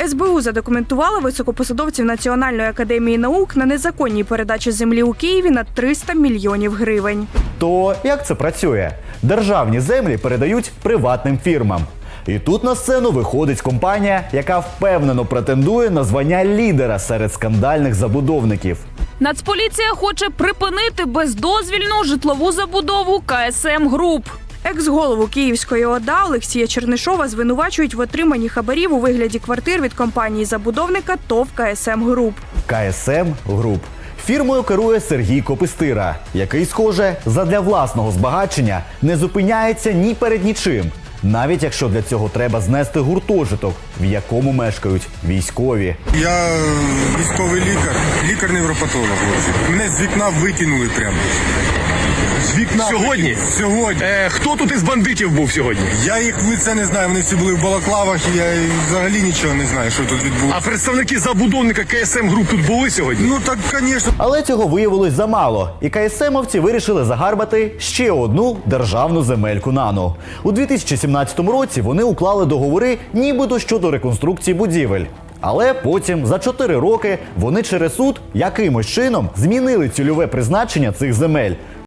СБУ задокументувала високопосадовців Національної академії наук на незаконній передачі землі у Києві на 300 мільйонів гривень. То як це працює? Державні землі передають приватним фірмам. І тут на сцену виходить компанія, яка впевнено претендує на звання лідера серед скандальних забудовників. Нацполіція хоче припинити бездозвільну житлову забудову КСМ Груп. Екс-голову Київської ОДА Олексія Чернишова звинувачують в отриманні хабарів у вигляді квартир від компанії-забудовника ТОВ КСМ Груп. КСМ Груп. Фірмою керує Сергій Копистира, який, схоже, задля власного збагачення не зупиняється ні перед нічим. Навіть якщо для цього треба знести гуртожиток, в якому мешкають військові. Я військовий лікар, лікар-невропатолог. Мене з вікна викинули прямо. З вікна. Сьогодні? Сьогодні. Хто тут із бандитів був сьогодні? Я їх в лице не знаю, вони всі були в балаклавах, і я взагалі нічого не знаю, що тут відбулося. А представники забудовника КСМ Груп тут були сьогодні? Ну так, звісно. Але цього виявилось замало, і КСМовці вирішили загарбати ще одну державну земельку НАНу. У 2017 році вони уклали договори нібито щодо реконструкції будівель. Але потім, за 4 роки, вони через суд якимось чином змінили цільове призначення цих земель.